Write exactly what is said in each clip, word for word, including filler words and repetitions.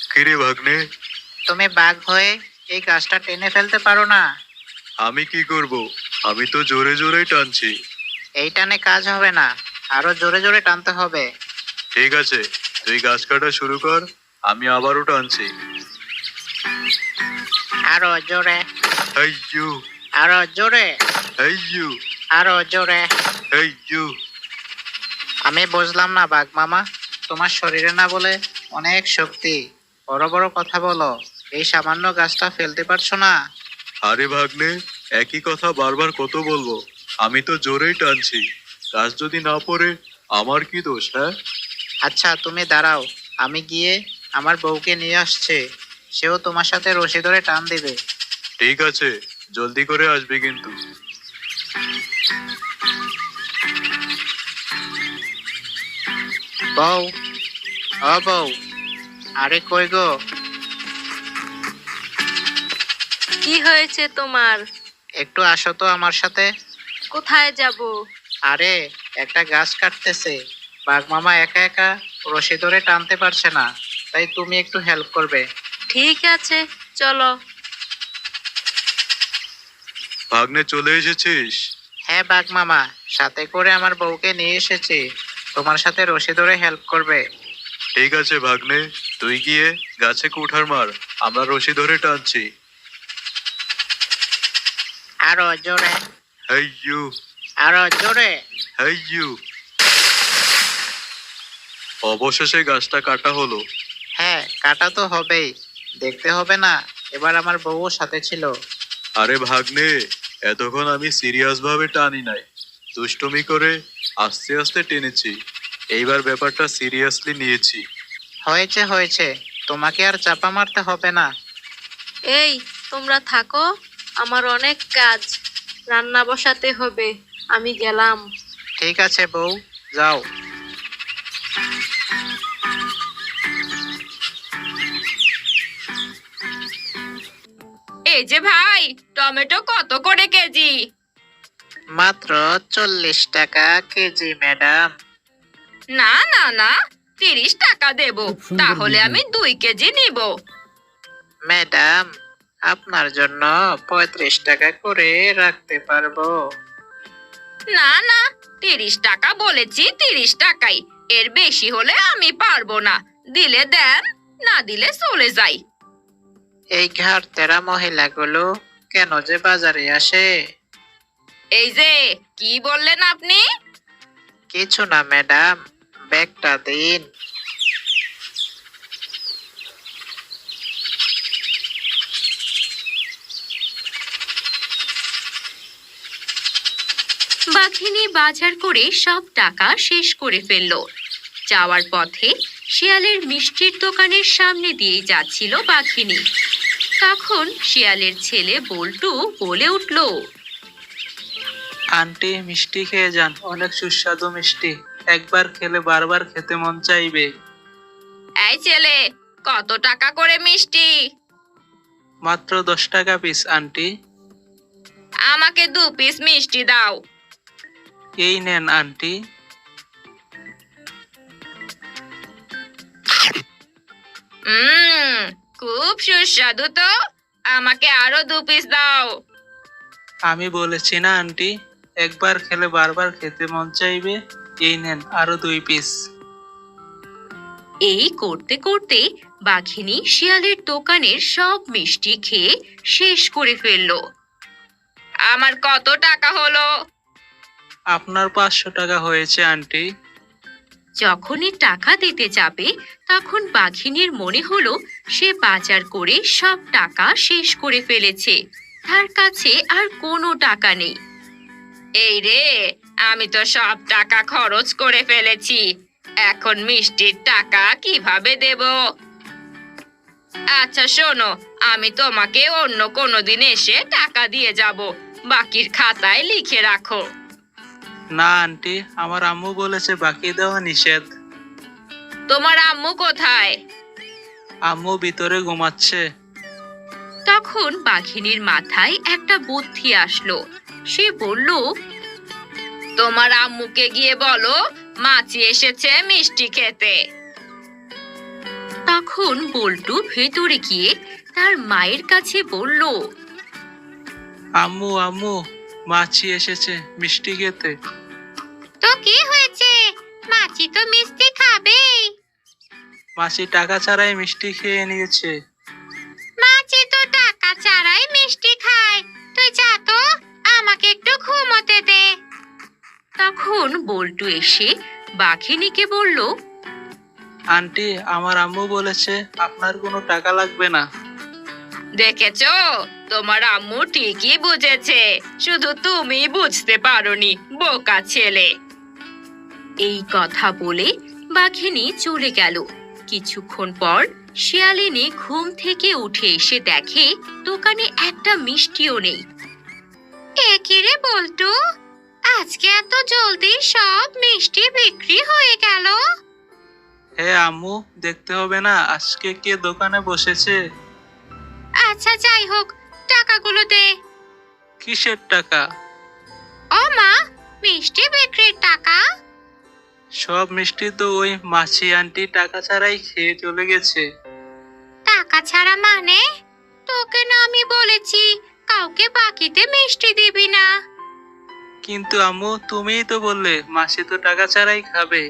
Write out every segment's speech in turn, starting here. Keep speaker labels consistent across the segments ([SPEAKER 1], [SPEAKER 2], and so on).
[SPEAKER 1] কিরে ভাগ্নে,
[SPEAKER 2] তুমি বাঘ হয়ে এই গাছটা টেনে ফেলতে পারো না?
[SPEAKER 1] আমি কি করব? আমি তো জোরে জোরে টানছি।
[SPEAKER 2] এই টানে কাজ হবে না, আরো জোরে জোরে টানতে হবে।
[SPEAKER 1] ঠিক আছে, তুই গাছ কাটা শুরু কর, আমি আবারও টানছি।
[SPEAKER 2] আরো জোরে,
[SPEAKER 1] এই ইউ,
[SPEAKER 2] আরো জোরে,
[SPEAKER 1] এই ইউ,
[SPEAKER 2] আরো জোরে।
[SPEAKER 1] এই ইউ।
[SPEAKER 2] আমি বুঝলাম না বাঘ মামা, তোমার শরীরে না বলে অনেক শক্তি, বড় বড় কথা বলো, এই সামান্য গাছটা ফেলতে পারছো না?
[SPEAKER 1] আরে ভাগ্নে, একই কথা বারবার কত বলবো? আমি তো জোরেই টানছি। গাছ যদি না পড়ে আমার কি দোষ? হ্যাঁ,
[SPEAKER 2] আচ্ছা তুমি দাঁড়াও, আমি গিয়ে আমার বউকে নিয়ে আসছে, সেও তোমার সাথে রশি ধরে টান দিবে।
[SPEAKER 1] ঠিক আছে, জলদি করে আসবি কিন্তু।
[SPEAKER 2] বউ, ও বউ, আরে কই গো?
[SPEAKER 3] কি হয়েছে তোমার?
[SPEAKER 2] একটু আসো তো আমার সাথে।
[SPEAKER 3] কোথায় যাব?
[SPEAKER 2] আরে একটা গাছ কাটতেছে, বাঘ মামা একা একা রশি ধরে টানতে পারছে না, তাই তুমি একটু হেল্প করবে।
[SPEAKER 3] ঠিক আছে, চলো।
[SPEAKER 1] ভাগ্নে চলে এসেছিস?
[SPEAKER 2] হ্যাঁ বাঘ মামা, সাথে করে আমার বউকে নিয়ে এসেছি, তোমার সাথে রশি ধরে হেল্প করবে।
[SPEAKER 1] ঠিক আছে ভাগ্নে, তুই গিয়ে গাছে কুঠার মার, আমরা রশি ধরে টানছি।
[SPEAKER 2] আরো জোরে,
[SPEAKER 1] হেই ইউ,
[SPEAKER 2] আরো জোরে।
[SPEAKER 1] Hey you. অবশেষে গাছটা কাটা হলো।
[SPEAKER 2] হ্যাঁ কাটা তো হবেই, দেখতে হবে না এবার আমার বউও সাথে ছিল।
[SPEAKER 1] আরে ভাগ্নে, এতক্ষণ আমি সিরিয়াস ভাবে টানি নাই, দুষ্টুমি করে আস্তে আস্তে টেনেছি। এইবার ব্যাপারটা সিরিয়াসলি নিয়েছি।
[SPEAKER 2] হয়েছে হয়েছে, তোমাকে আর চাপা মারতে হবে না।
[SPEAKER 3] এই, তোমরা থাকো, আমার অনেক কাজ, রান্না বসাতে হবে, আমি গেলাম।
[SPEAKER 2] ঠিক আছে বউ, যাও।
[SPEAKER 4] এই যে ভাই, টমেটো কত করে কেজি?
[SPEAKER 2] মাত্র চল্লিশ টাকা কেজি ম্যাডাম।
[SPEAKER 4] না না না, তিরিশ টাকা দেব, তাহলে আমি দুই কেজি নিব।
[SPEAKER 2] ম্যাডাম, আপনার জন্য পঁয়ত্রিশ টাকা করে রাখতে পারবো।
[SPEAKER 4] না না, তিরিশ টাকা বলেছি, তিরিশ টাকাই, এর বেশি হলে আমি পারবো না। দিলে দেন, না দিলে চলে যাই।
[SPEAKER 2] এই ঘাট তেরা মহিলাগুলো কেন যে বাজারে আসে?
[SPEAKER 4] এই যে, কি বললেন আপনি?
[SPEAKER 2] কিছু না ম্যাডাম, ব্যাগটা দিন।
[SPEAKER 5] বাঘিনী বাজার করে সব টাকা শেষ করে ফেলল। যাওয়ার পথে শিয়ালের মিষ্টির দোকানের সামনে দিয়ে যাচ্ছিল বাঘিনী। তখন শিয়ালের ছেলে বল্টু বলে উঠল,
[SPEAKER 2] আন্টি মিষ্টি খেয়ে যান, অনেক সুস্বাদু মিষ্টি, একবার খেলে বারবার খেতে মন চাইবে।
[SPEAKER 4] এই ছেলে, কত টাকা করে মিষ্টি?
[SPEAKER 2] মাত্র দশ টাকা পিস আন্টি।
[SPEAKER 4] আমাকে দু পিস মিষ্টি দাও।
[SPEAKER 2] এই নেন আন্টি।
[SPEAKER 4] হুম, খুব সুস্বাদু তো, আমাকে আরো দু পিস দাও।
[SPEAKER 2] আমি বলেছি না আন্টি, একবার খেলে বারবার খেতে মন চাইবে, এই নেন আরো দুই পিস।
[SPEAKER 5] এই করতে করতে বাঘিনী শিয়ালের দোকানের সব মিষ্টি খেয়ে শেষ করে ফেলল।
[SPEAKER 4] আমার কত টাকা হলো?
[SPEAKER 2] আপনার পাঁচশো টাকা হয়েছে আন্টি।
[SPEAKER 5] যখনই টাকা দিতে যাবে তখন বাঘিনীর মনে হলো সে বাজার করে সব টাকা শেষ করে ফেলেছে, তার কাছে আর কোনো টাকা নেই।
[SPEAKER 4] এই রে, আমি তো সব টাকা খরচ করে ফেলেছি, এখন মিষ্টির টাকা কিভাবে দেব? আচ্ছা শোনো, আমি তোমাকে অন্য কোনো দিন এসে টাকা দিয়ে যাব, বাকির খাতায় লিখে রাখো।
[SPEAKER 2] না আন্টি, আমার আম্মু বলেছে বাকি দেওয়া নিষেধ।
[SPEAKER 4] তোমার আম্মু কোথায়?
[SPEAKER 2] আম্মু ভিতরে ঘুমাচ্ছে।
[SPEAKER 5] তখন বাঘিনীর মাথায় একটা বুদ্ধি আসলো। সে বলল,
[SPEAKER 4] তোমার আম্মুকে গিয়ে বলো মাছি এসেছে মিষ্টি খেতে।
[SPEAKER 5] তখন বল্টু ভেতরে গিয়ে তার মায়ের কাছে বলল,
[SPEAKER 6] আম্মু আম্মু, মাছি এসেছে মিষ্টি খেতে।
[SPEAKER 5] তো কি হয়েছে? মাছি তো মিষ্টি খাবে।
[SPEAKER 6] মাছি টাকা ছাড়াই মিষ্টি খেয়ে নিয়েছে।
[SPEAKER 5] মাছি তো টাকা ছাড়াই মিষ্টি খায়। তুই যা তো, আমাকে একটু ঘুমোতে দে। তখন বল্টু এসে বাঘিনীকে বলল,
[SPEAKER 6] আন্টি, আমার আম্মু বলেছে আপনার কোনো টাকা লাগবে না।
[SPEAKER 4] দেখেছো, তোমার আম্মু ঠিকই বুঝেছে, শুধু তুমি বুঝতে পারোনি, বোকা ছেলে।
[SPEAKER 5] এই কথা বলে বাঘিনী চলে গেল। কিছুক্ষণ পর শিয়ালিনী ঘুম থেকে উঠে এসে দেখে দোকানে একটা মিষ্টিও নেই। একিরে বল্টু, আজকে এত জলদি সব মিষ্টি বিক্রি হয়ে গেল।
[SPEAKER 6] হ্যাঁ আম্মু, দেখতে হবে না আজকে কে দোকানে বসেছে?
[SPEAKER 5] আচ্ছা যাই হোক, টাকাগুলো দে।
[SPEAKER 6] কিসের টাকা?
[SPEAKER 5] ও মা, মিষ্টি বিক্রির টাকা।
[SPEAKER 6] সব মিষ্টি তো ওই মাছি আন্টি টাকা ছাড়াই খেয়ে চলে গেছে।
[SPEAKER 5] টাকা ছাড়া মানে? তোকে না আমি বলেছি কাউকে বাকিতে মিষ্টি দিবি না।
[SPEAKER 6] কিন্তু আম্মু, তুমিই তো বললে মাছি তো টাকা ছাড়াই খাবে।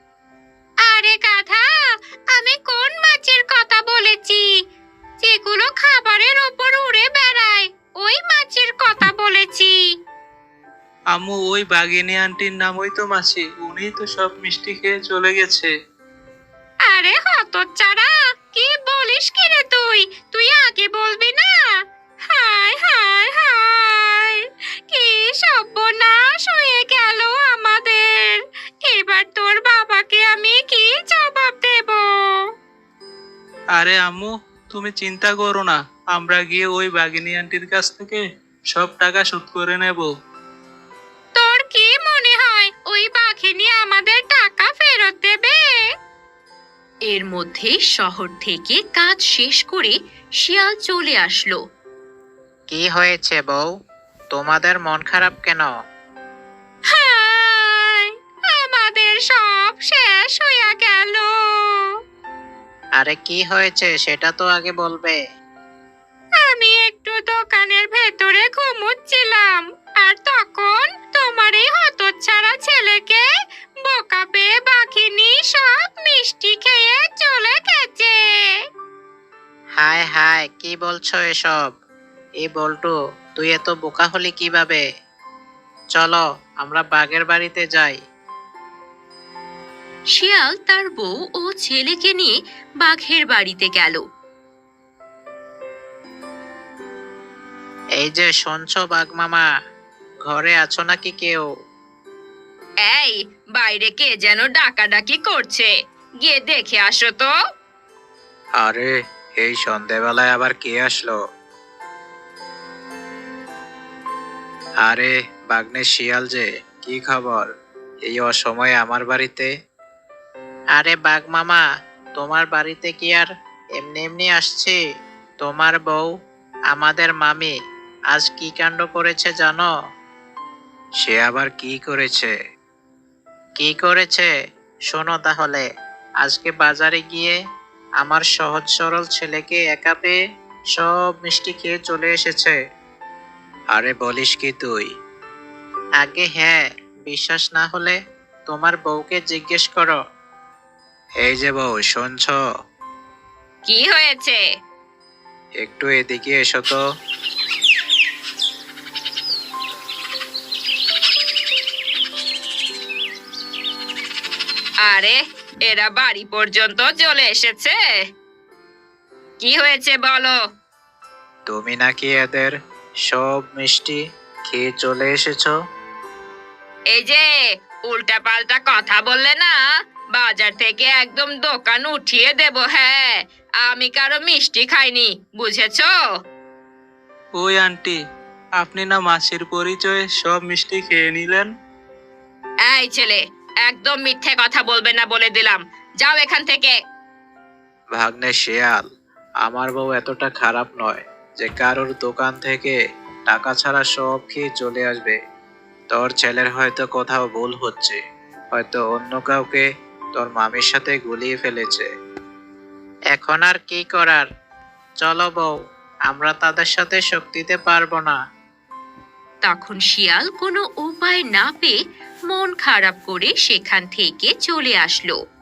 [SPEAKER 5] আরে গাধা, আমি কোন মাছের কথা বলেছি? যেগুলো খাবারের ওপর উড়ে বেড়ায়, ওই মাছের কথা বলেছি।
[SPEAKER 6] আম্মু, ওই বাঘিনী আন্টির নামই তো মাছি, উনি তো সব মিষ্টি খেয়ে চলে গেছে।
[SPEAKER 5] আরে হতচ্ছাড়া, কি বলিস কি রে তুই? তুই আগে বলবি না? হায় হায় হায়, কি সর্বনাশ হয়ে গেল আমাদের। এবার তোর বাবাকে আমি কি জবাব দেব?
[SPEAKER 6] আরে আম্মু, তুমি চিন্তা করো না, আমরা গিয়ে ওই বাঘিনী আন্টির কাছ থেকে সব টাকা শোধ করে নেব।
[SPEAKER 5] তোর কি মনে হয় ওই বাঘিনী আমাদের টাকা ফেরত দেবে? এর মধ্যে শহর থেকে কাজ শেষ করে শিয়াল চলে আসলো।
[SPEAKER 2] কি হয়েছে বউ, তোমাদের মন খারাপ কেন?
[SPEAKER 5] হায়, আমাদের সব শেষ হয়ে গেল।
[SPEAKER 2] আরে কি হয়েছে সেটা তো আগে বলবে।
[SPEAKER 5] আমি একটু দোকানের ভেতরে ঘুমোচ্ছিলাম, আর তখন তোমার এই হতচ্ছাড়া ছেলেকে বোকা পেয়ে বাঘিনী সব মিষ্টি খেয়ে চলে গেছে।
[SPEAKER 2] হায় হায়, কি বলছো এসব? এই বল্টু, তুই এত বোকা হলি কিভাবে? চলো আমরা বাঘের বাড়িতে যাই।
[SPEAKER 5] শিয়াল তার বউ ও ছেলেকে নিয়ে বাঘের বাড়িতে গেল।
[SPEAKER 2] এই যে শুনছো বাঘ মামা, ঘরে আছো নাকি কেউ?
[SPEAKER 4] এই, বাইরে কে যেন ডাকাডাকি করছে, গিয়ে দেখে আসো তো।
[SPEAKER 1] আরে, এই সন্ধেবেলায় আবার কে আসলো? আরে বাগনে শিয়াল যে, কি খবর এই অসময়ে আমার বাড়িতে?
[SPEAKER 2] আরে বাঘ মামা, তোমার বাড়িতে কি আর এমনি এমনি আসছি? তোমার বউ, আমাদের মামি, আজ কি কাণ্ড করেছে জানো?
[SPEAKER 1] সে আবার কি করেছে?
[SPEAKER 2] কি করেছে শোনো তাহলে। আজকে বাজারে গিয়ে আমার সহজ সরল ছেলেকে একা পেয়ে সব মিষ্টি খেয়ে চলে এসেছে।
[SPEAKER 1] আরে বলিস কি তুই?
[SPEAKER 2] আগে হ্যাঁ, বিশ্বাস না হলে তোমার বউকে জিজ্ঞেস করো।
[SPEAKER 1] এই যে বউ, শুনছো?
[SPEAKER 4] কি হয়েছে?
[SPEAKER 1] একটু এদিকে এসো তো।
[SPEAKER 4] আরে, এরা বাড়ি পর্যন্ত চলে এসেছে। কি হয়েছে বলো?
[SPEAKER 1] তুমি নাকি এদের সব মিষ্টি খেয়ে চলে এসেছো?
[SPEAKER 4] এই যে, উল্টা পাল্টা কথা বললে না, বাজার থেকে একদম দোকান উঠিয়ে দেব। হ্যাঁ, আমি কারো মিষ্টি খাইনি, বুঝেছো?
[SPEAKER 6] ওই আন্টি, আপনি না মাছির পরিচয়ে সব মিষ্টি খেয়ে নিলেন?
[SPEAKER 4] এই ছেলে, একদম মিথ্যে কথা বলবে না বলে দিলাম, যাও এখান থেকে।
[SPEAKER 1] ভাগ্নে শিয়াল, আমার বউ এতটা খারাপ নয় যে কারোর দোকান থেকে টাকা ছাড়া সব খেয়ে চলে আসবে। তোর ছেলের হয়তো কোথাও ভুল হচ্ছে, হয়তো অন্য কাউকে তোর মামির সাথে গুলিয়ে ফেলেছে।
[SPEAKER 2] এখন আর কি করার? চলো বউ, আমরা তাদের সাথে শক্তিতে পারবো না।
[SPEAKER 5] তখন শিয়াল কোনো উপায় না পেয়ে মন খারাপ করে সেখান থেকে চলে আসলো।